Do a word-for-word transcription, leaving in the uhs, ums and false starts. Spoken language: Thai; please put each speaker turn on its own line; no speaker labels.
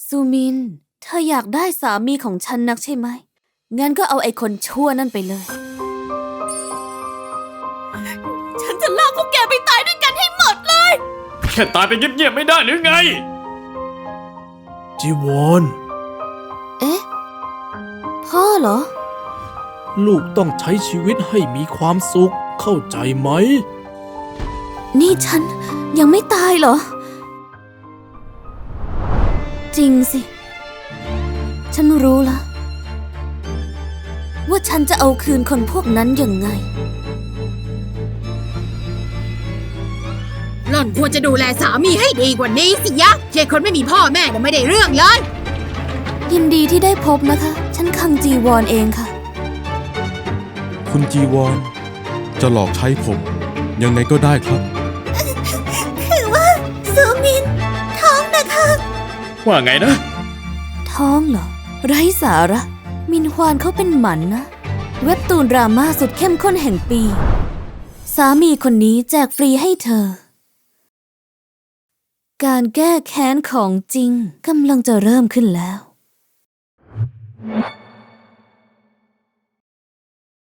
ซูมินเธออยากได้สามีของฉันนักใช่ไหมงั้นก็เอาไอ้คนชั่วนั่นไปเลยฉันจะลากพวกแกไปตายด้วยกันให้หมดเลย
แค่ตายไปเงียบๆไม่ได้หรือไง
จีวร
เอ๊ะพ่อเหรอ
ลูกต้องใช้ชีวิตให้มีความสุขเข้าใจไหม
นี่ฉันยังไม่ตายเหรอจริงสิฉันรู้แล้วว่าฉันจะเอาคืนคนพวกนั้นยังไง
หล่อนควรจะดูแลสามีให้ดีกว่านี้สิยะเช่คนไม่มีพ่อแม่เนี่ยไม่ได้เรื่องเลย
ยินดีที่ได้พบนะคะฉันคังจีวอนเองค่ะ
คุณจีวอนจะหลอกใช้ผมยังไงก็ได้ครับ
คือว่าซูมินท้องนะคะ
ว่าไงนะ
ท้องเหรอไร้สาระมินฮวานเขาเป็นหมันนะเว็บตูนดราม่าสุดเข้มข้นแห่งปีสามีคนนี้แจกฟรีให้เธอการแก้แค้นของจริงกำลังจะเริ่มขึ้นแล้ว